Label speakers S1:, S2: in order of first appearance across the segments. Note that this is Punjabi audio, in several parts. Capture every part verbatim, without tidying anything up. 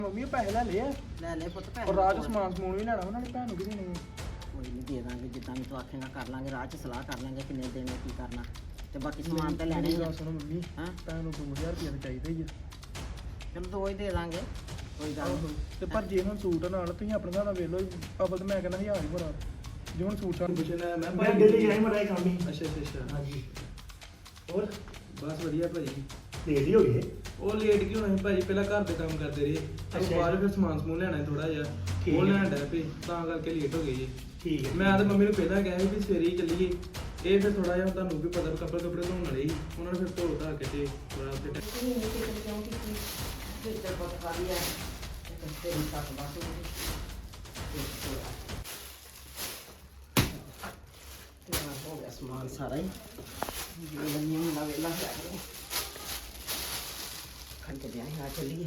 S1: ਮੰਮੀ ਪੈਸੇ ਲੈ ਲਏ
S2: ਲੈ ਲੈ ਪੁੱਤ ਪੈਸੇ
S1: ਔਰ ਰਾਜ ਸਮਾਨ ਸਮੂਨ ਵੀ ਲੈਣਾ ਉਹਨਾਂ ਨੇ ਭੈਣ ਨੂੰ ਵੀ ਦੇਣੇ
S2: ਕੋਈ ਨਹੀਂ ਦੇ ਦਾਂਗੇ ਜਿੱਦਾਂ ਵੀ ਤੂੰ ਆਖੇਂਗਾ ਕਰ ਲਾਂਗੇ ਰਾਹ 'ਚ ਸਲਾਹ ਕਰ ਲਾਂਗੇ ਕਿੰਨੇ ਦੇਣੇ ਕੀ ਕਰਨਾ ਤੇ ਬਾਕੀ ਸਮਾਨ ਤਾਂ ਲੈਣਾ ਹੀ ਆ।
S1: ਸੁਣੋ ਮੰਮੀ
S2: ਹਾਂ
S1: ਭੈਣ ਨੂੰ ਦੋ ਹਜ਼ਾਰ ਰੁਪਏ ਚਾਹੀਦਾ ਹੀ ਆ।
S2: ਚਲੋ ਦੋ ਹੀ ਦੇ ਦਾਂਗੇ ਕੋਈ ਗੱਲ ਨਹੀਂ।
S1: ਤੇ ਪਰ ਜੇ ਹੁਣ ਸੂਟ ਨਾਲ ਤੁਸੀਂ ਆਪਣੇ ਹਿਸਾਬ ਨਾਲ ਵੇਖ ਲਓ ਅਬਲ ਤੇ ਮੈਂ ਕਹਿੰਦਾ ਹਜ਼ਾਰ ਹੀ ਭਰਾ ਜੇ ਹੁਣ ਸੂਟ ਸਾਨੂੰ ਪੁੱਛਣਾ ਮੈਂ
S3: ਮੈਂ ਦਿੱਲੀ ਜਾਈ ਮੜਾ ਕੰਮ ਹੀ।
S1: ਅੱਛਾ ਅੱਛਾ ਅੱਛਾ
S3: ਹਾਂਜੀ ਹੋਰ
S1: ਬਸ ਵਧੀਆ ਭਾਜੀ
S3: ਲੇਟ ਹੀ ਹੋ ਗਏ।
S1: ਉਹ ਲੇਟ ਕਿਉਂ ਹੋਏ ਭਾਜੀ ਪਹਿਲਾਂ ਘਰ ਦੇ ਕੰਮ ਕਰਦੇ ਰਹੇ ਤੇ
S3: ਅੱਛਾ।
S1: ਬਾਅਦ ਫਿਰ ਸਮਾਨ ਸਮੂਨ ਲੈਣਾ ਥੋੜਾ ਜਿਹਾ
S3: ਠੀਕ
S1: ਉਹ
S3: ਹੈ।
S1: ਲੈਣ ਡਿਆ ਪਏ ਤਾਂ ਕਰਕੇ ਲੇਟ ਹੋ ਗਏ ਜੀ।
S3: ਠੀਕ ਹੈ
S1: ਮੈਂ ਤਾਂ ਮੰਮੀ ਨੂੰ ਪਹਿਲਾਂ ਕਿਹਾ ਸੀ ਵੀ ਸਵੇਰੇ ਹੀ ਚੱਲੀਏ ਇਹ ਫਿਰ ਥੋੜਾ ਜਿਹਾ ਤੁਹਾਨੂੰ ਵੀ ਪਤਾ ਕੱਪੜੇ ਕੱਪੜੇ ਧੋਣ ਵਾਲੇ ਸੀ ਉਹਨਾਂ ਨੇ ਫਿਰ ਧੋ ਧਾ ਕੇ ਤੇ ਥੋੜਾ ਤੇ
S2: ਨਹੀਂ ਨਹੀਂ ਕਿਤੇ ਕਿਉਂ ਕੀਤੀ ਜਿੱਦਾਂ ਬਹੁਤ ਖਾਲੀ ਹੈ ਤੇ ਤੇਰੀ ਸੱਸ ਬਸ ਤੇ ਹੋ ਗਿਆ ਸਮਾਨ ਸਾਰਾ ਹੀ ਇਹ ਨਹੀਂ ਹੁੰਦਾ ਵੇਲਾ ਹੈ ਖੰਡ ਦੇ ਆ ਚੱਲੀਏ।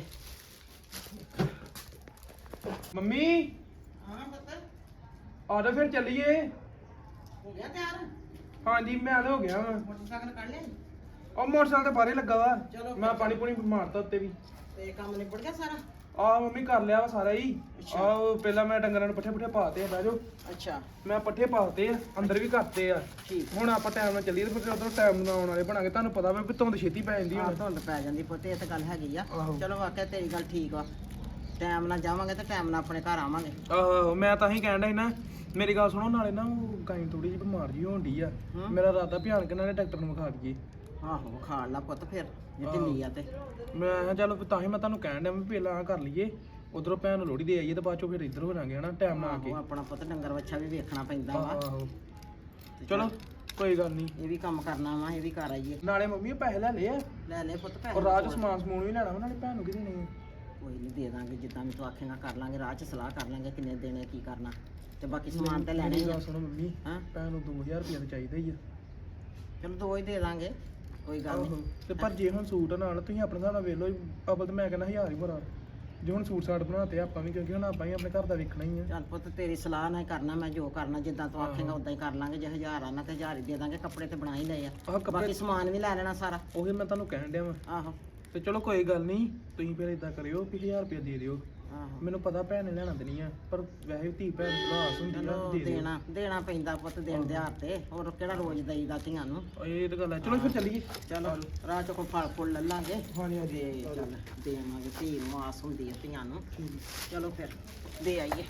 S1: ਮੰਮੀ
S2: ਹਾਂ ਪਤਾ
S1: ਆ ਜਾ ਫਿਰ ਚੱਲੀਏ।
S2: ਹੋ ਗਿਆ ਤਿਆਰ
S1: ਹਾਂਜੀ ਮੈਂ ਤਾਂ ਹੋ ਗਿਆ ਵਾ
S2: ਮੋਟਰਸਾਈਕਲ ਕੱਢ ਲਿਆ
S1: ਉਹ ਮੋਟਰਸਾਈਕਲ ਤੇ ਬਾਹਰੇ ਲੱਗਾ ਵਾ
S2: ਚਲੋ
S1: ਮੈਂ ਪਾਣੀ ਪੂਣੀ ਮਾਰਤਾ ਉੱਤੇ ਵੀ
S2: ਤੇ ਕੰਮ ਨਿਬੜ ਗਿਆ ਸਾਰਾ।
S1: ਆ ਮੰਮੀ ਕਰ ਲਿਆ ਵਾ ਸਾਰਾ ਹੀ
S2: ਅੱਛਾ।
S1: ਆ ਪਹਿਲਾਂ ਮੈਂ ਡੰਗਰਾਂ ਨੂੰ ਪੱਠੇ ਪੁੱਠੇ ਪਾਤੇ ਆ ਬਹਿ ਜਾਓ
S2: ਅੱਛਾ
S1: ਮੈਂ ਪੱਠੇ ਪਾਤੇ ਆ ਅੰਦਰ ਵੀ ਕਰਤੇ ਆ
S2: ਠੀਕ
S1: ਹੁਣ ਆਪਾਂ ਟਾਈਮ ਨਾਲ ਚੱਲੀਏ ਤੇ ਫਿਰ ਉਦੋਂ ਟਾਈਮ ਨਾਲ ਆਉਣ ਵਾਲੇ ਬਣਾਂਗੇ ਤੁਹਾਨੂੰ ਪਤਾ ਵਾ ਵੀ ਧੁੰਦ ਛੇਤੀ ਪੈ ਜਾਂਦੀ
S2: ਆਹ
S1: ਹੁਣ
S2: ਧੁੰਦ ਪੈ ਜਾਂਦੀ ਪੁੱਤ ਇਹ ਤਾਂ ਗੱਲ ਹੈਗੀ ਆ।
S1: ਆਹੋ।
S2: ਚਲੋ ਵਾਕਿਆ ਤੇਰੀ ਗੱਲ ਠੀਕ ਵਾ ਟਾਈਮ ਨਾਲ ਜਾਵਾਂਗੇ ਤੇ ਟਾਈਮ ਨਾਲ ਆਪਣੇ ਘਰ ਆਵਾਂਗੇ।
S1: ਆਹੋ ਮੈਂ ਤਾਂ ਹੀ ਕਹਿਣ ਡਿਆ ਸੀ ਨਾ ਮੇਰੀ ਗੱਲ ਸੁਣੋ ਨਾਲੇ ਨਾ ਉਹ ਗਾਈ ਥੋੜੀ ਜਿਹੀ ਬਿਮਾਰ ਜੀ ਹੋਣ ਡਈ ਆ
S2: ਹਮ।
S1: ਮੇਰਾ ਇਰਾਦਾ ਭਿਆਨਕ ਨਾਲ ਡਾਕਟਰ ਨੂੰ ਵਿਖਾ ਦਈਏ।
S2: ਆਹੋ ਖਾ ਲਾ ਪੁੱਤ ਫਿਰ ਜੇ
S1: ਆਹੋ।
S2: ਢਿੱਲੀ ਆ ਤੇ
S1: ਮੈਂ ਕਿਹਾ ਚੱਲ ਤਾਂ ਹੀ ਮੈਂ ਤੁਹਾਨੂੰ ਕਹਿਣ ਡਿਆ ਵੀ ਪਹਿਲਾਂ ਆਹ ਕਰ ਲਈਏ ਉਧਰੋਂ ਭੈਣ ਨੂੰ ਲੋਹੜੀ ਦੇ ਆਈਏ ਤੇ ਬਾਅਦ ਚੋਂ ਫਿਰ ਇੱਧਰ ਹੋ ਜਾਾਂਗੇ ਹਨਾ ਟਾਈਮ ਨਾਲ ਆ ਕੇ
S2: ਆਹੋ, ਆਪਣਾ ਪੁੱਤ ਡੰਗਰ ਵੱਛਾ ਵੀ ਵੇਖਣਾ ਪੈਂਦਾ ਵਾ
S1: ਆਹੋ
S2: ਤੇ
S1: ਚਲੋ ਕੋਈ ਗੱਲ ਨਹੀਂ
S2: ਇਹ ਵੀ ਕੰਮ ਕਰਨਾ ਵਾ ਇਹ ਵੀ ਕਰ ਆਈਏ।
S1: ਨਾਲੇ ਮੰਮੀ ਪੈਸੇ ਲੈ ਲਏ ਆ
S2: ਲੈ ਲੈ ਪੁੱਤ ਪੈਸੇ
S1: ਔਰ ਰਾਜ
S2: ਹੋਰ।
S1: ਸਮਾਨ ਸਮੂਨ ਵੀ ਲੈਣਾ ਉਹਨਾਂ ਨੇ ਭੈਣ ਨੂੰ ਕਿਹਦੇ ਨਹੀਂ
S2: ਕੋਈ ਨਹੀਂ ਦੇ ਦਾਂਗੇ ਜਿੱਦਾਂ ਵੀ ਤੂੰ ਆਖੇਂਗਾ ਕਰ ਲਾਂਗੇ ਰਾਹ 'ਚ ਸਲਾਹ ਕਰ ਲਾਂਗੇ ਕਿੰਨੇ ਦੇਣੇ ਕੀ ਕਰਨਾ ਤੇ ਬਾਕੀ ਸਮਾਨ ਤਾਂ ਲੈਣਾ ਹੀ ਆ।
S1: ਸੁਣੋ ਮੰਮੀ
S2: ਹਾਂ
S1: ਭੈਣ ਨੂੰ ਦੋ ਹਜ਼ਾਰ ਰੁਪਏ ਚਾਹੀਦਾ ਹੀ ਆ।
S2: ਚਲੋ ਦੋ ਹੀ ਦੇ ਦਾਂਗੇ ਕੋਈ ਗੱਲ
S1: ਆਹੋ
S2: ਨਹੀਂ।
S1: ਤੇ ਪਰ ਜੇ ਹੁਣ ਸੂਟ ਨਾਲ ਤੁਸੀਂ ਆਪਣੇ ਹਿਸਾਬ ਨਾਲ ਵੇਖ ਲਓ ਅਬਲ ਤੇ ਮੈਂ ਕਹਿੰਦਾ ਹਜ਼ਾਰ ਹੀ ਭਰਾ ਜੇ ਹੁਣ ਸੂਟ ਸਾਟ ਬਣਾਤੇ ਆਪਾਂ ਵੀ ਕਿਉਂਕਿ ਹੁਣ ਆਪਾਂ ਹੀ ਆਪਣੇ ਘਰ ਦਾ ਵੇਖਣਾ ਹੀ ਆ।
S2: ਚੱਲ ਪੁੱਤ ਤੇਰੀ ਸਲਾਹ ਨਾਲ ਹੀ ਕਰਨਾ ਮੈਂ ਜੋ ਕਰਨਾ ਜਿੱਦਾਂ ਤੂੰ ਆਖੇਂਗਾ
S1: ਆਹੋ।
S2: ਉਦਾਂ ਹੀ ਕਰ ਲਾਂਗੇ ਜੇ ਹਜ਼ਾਰ ਆਣਾ ਤੇ ਹਜ਼ਾਰ ਹੀ ਦੇ ਦਾਂਗੇ ਕੱਪੜੇ ਤੇ ਬਣਾ ਹੀ ਲਏ ਆ
S1: ਆਹ ਕੱਪੜੇ
S2: ਬਾਕੀ ਸਮਾਨ ਵੀ ਲੈ ਲੈਣਾ ਸਾਰਾ।
S1: ਉਹੀ ਮੈਂ ਤੁਹਾਨੂੰ ਕਹਿਣ ਡਿਆ ਵਾ
S2: ਆਹੋ
S1: ਤੇ ਚਲੋ ਕੋਈ ਗੱਲ ਨਹੀਂ ਤੁਸੀਂ ਫਿਰ ਇਦਾਂ ਕਰਿਓ ਕਿ ਹਜ਼ਾਰ ਰੁਪਏ ਦੇ ਦਿਓ
S2: ਆਹੋ
S1: ਮੈਨੂੰ ਪਤਾ ਭੈਣ ਨੇ ਲੈਣਾ ਤੇ ਨਹੀਂ ਆ ਪਰ ਵੈਸੇ ਧੀ ਭੈਣ ਦੀ ਆਸ ਹੁੰਦੀ ਆ
S2: ਚਲੋ
S1: ਦੇ ਦਿਓ।
S2: ਦੇਣਾ ਦੇਣਾ ਪੈਂਦਾ ਪੁੱਤ ਦਿਨ ਦਿਹਾੜ ਤੇ ਹੋਰ ਕਿਹੜਾ ਰੋਜ਼ ਦਈਦਾ ਧੀਆਂ ਨੂੰ।
S1: ਇਹ ਤਾਂ ਗੱਲ ਹੈ ਚਲੋ ਫਿਰ ਚੱਲੀਏ
S2: ਚਲੋ ਰਾਹ ਚ ਕੋਈ ਫਲ ਫੁੱਲ ਲੈ ਲਾਂਗੇ
S1: ਹਾਂਜੀ
S2: ਤੇ
S1: ਹਾਂਜੀ
S2: ਚੱਲ ਦੇਵਾਂਗੇ ਧੀ ਨੂੰ ਆਸ ਹੁੰਦੀ ਹੈ ਧੀਆਂ ਨੂੰ।
S1: ਠੀਕ ਹੈ।
S2: ਚਲੋ ਫਿਰ ਦੇ ਆਈਏ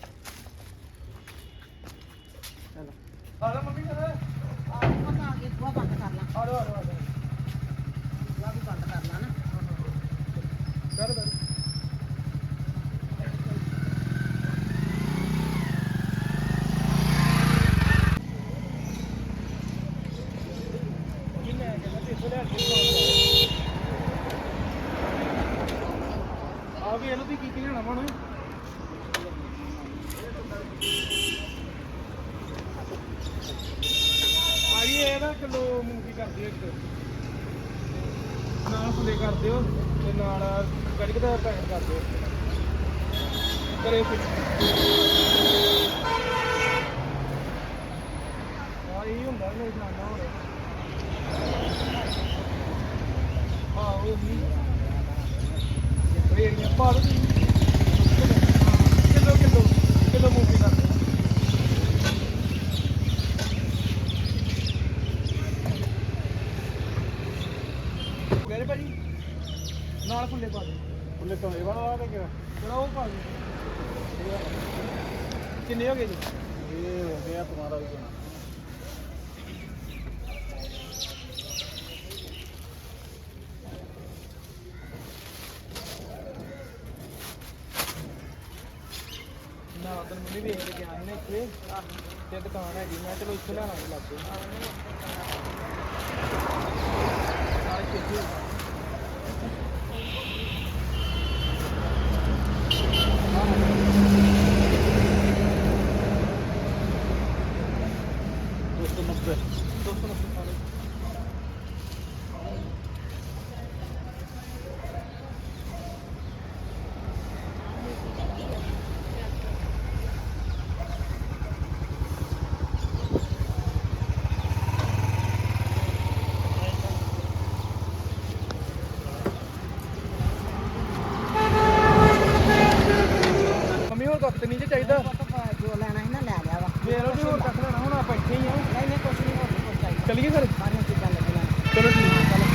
S2: ਚਲੋ
S1: ਆ ਲਓ ਮੰਮੀ ਫਿਰ
S2: ਆ ਪੁੱਤ ਆ ਗਏ ਬੂਹਾ ਬੰਦ ਕਰ ਲਾ
S1: ਆ ਲਓ ਆ ਲਓ ਆ ਲਓ
S2: ਬੂਹਾ ਵੀ ਬੰਦ ਕਰ ਲਾ ਨਾ।
S1: ਕਰ ਕਰ ਆ ਵੀ ਇਹਨੂੰ ਤੁਸੀਂ ਕੀ ਕੀ ਲੈਣਾ ਹੁਣ ਭਾਈ ਇਹ ਨਾ ਕਿਲੋ ਮੂੰਗੀ ਕਰ ਦਿਓ ਇੱਕ ਨਾਲ ਫੁੱਲੇ ਕਰ ਦਿਓ ਤੇ ਨਾਲ ਕੜਕ ਦਾ ਪੈਕਟ ਕਰ ਦਿਓ ਕਰੇ ਫਿਰ ਆ ਇਹ ਹੁੰਦਾ ਮੇਰੇ ਜਾਨਾ ਹੁਣ ਆਹੋ ਵੀ ਰੇੜੀਆਂ ਪਾ ਦੋ ਕਿਲੋ ਕਿਲੋ ਕਿਲੋ ਮੂੰਗੀ ਕਰ ਦਿਓ ਮੇਰੇ ਭਾਜੀ ਨਾਲ ਫੁੱਲੇ ਪਾ ਦੇ ਫੁੱਲੇ ਤੋਂ ਇਹ ਵਾਲਾ ਤੇ ਕਿਹੜਾ ਕਿਹੜਾ ਉਹ ਪਾ ਦੇ ਕਿੰਨੇ ਹੋ ਗਏ ਜੀ ਇਹ ਹੋ ਗਿਆ ਤੁਹਾਡਾ ਵੀ ਨਾ ਉਧਰ ਮੰਮੀ ਵੇਖ ਕੇ ਗਿਆ ਸੀ ਨਾ ਇੱਥੇ ਤੇ ਦੁਕਾਨ ਹੈਗੀ ਮੈਂ ਚਲੋ ਇੱਥੇ ਲੈਣਾ ਵੀ ਲੱਗ ਗਿਆ ਸਾਰੇ ਛੇਤੀ ਦੋ ਸੌ ਨੱਬੇ ਦੋ ਸੌ ਨੱਬੇ ਸਾਰੇ ਕੱਖ ਤੇ ਨਹੀਂ ਜੇ ਚਾਹੀਦਾ
S2: ਪੁੱਤ ਜੋ ਲੈਣਾ ਸੀ ਨਾ ਲੈ ਲਿਆ ਵਾ
S1: ਵੇਖ ਲਓ ਜੀ ਹੋਰ ਕੱਖ ਲੈਣਾ ਹੁਣ ਆਪਾਂ ਇੱਥੇ ਹੀ ਆ
S2: ਨਹੀਂ ਨਹੀਂ ਕੁਛ ਨਹੀਂ ਹੋਰ ਨੀ ਕੁਛ ਚਾਹੀਦਾ
S1: ਚੱਲੀਏ ਫਿਰ
S2: ਸਾਰੀਆਂ ਚੀਜ਼ਾਂ ਲੱਗੀਆਂ
S1: ਚਲੋ ਠੀਕ
S2: ਹਾਂ ਚਲੋ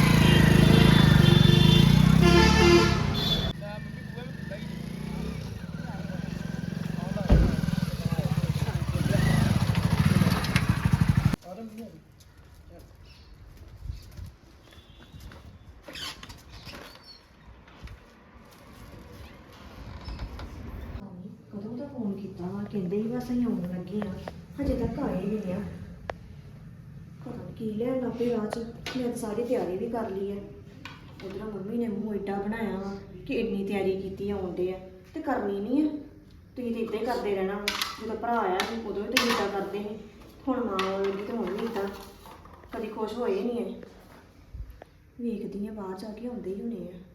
S4: ਕਦੋਂ ਦਾ ਫੋਨ ਕੀਤਾ ਵਾ ਕਹਿੰਦੇ ਹੀ ਬਸ ਅਸੀਂ ਆਉਣ ਲੱਗੇ ਆ ਹਜੇ ਤੱਕ ਆਏ ਨਹੀਂ ਆ ਪਤਾ ਨੀ ਕੀ ਲੈਣ ਲੱਗ ਪਏ ਰਾਹ 'ਚ ਮੈਂ ਤਾਂ ਸਾਰੀ ਤਿਆਰੀ ਵੀ ਕਰ ਲਈ ਹੈ ਉਧਰ ਮੰਮੀ ਨੇ ਮੂੰਹ ਏਡਾ ਬਣਾਇਆ ਵਾ ਕਿ ਇੰਨੀ ਤਿਆਰੀ ਕੀਤੀ ਆਉਂਦੇ ਆ ਤੇ ਕਰਨੀ ਨਹੀਂ ਆ ਤੁਸੀਂ ਤਾਂ ਇੱਦਾਂ ਹੀ ਕਰਦੇ ਰਹਿਣਾ ਵਾ। ਜਦੋਂ ਭਰਾ ਆਇਆ ਸੀ ਉਦੋਂ ਵੀ ਤੁਸੀਂ ਇੱਦਾਂ ਕਰਦੇ ਸੀ ਹੁਣ ਮਾਂ ਆਉਗੀ ਤੇ ਹੁਣ ਵੀ ਇੱਦਾਂ ਕਦੀ ਖੁਸ਼ ਹੋਏ ਨਹੀਂ ਐ ਵੇਖਦੀ ਆ ਬਾਹਰ ਜਾ ਕੇ ਆਉਂਦੇ ਹੀ ਹੋਣੇ ਆ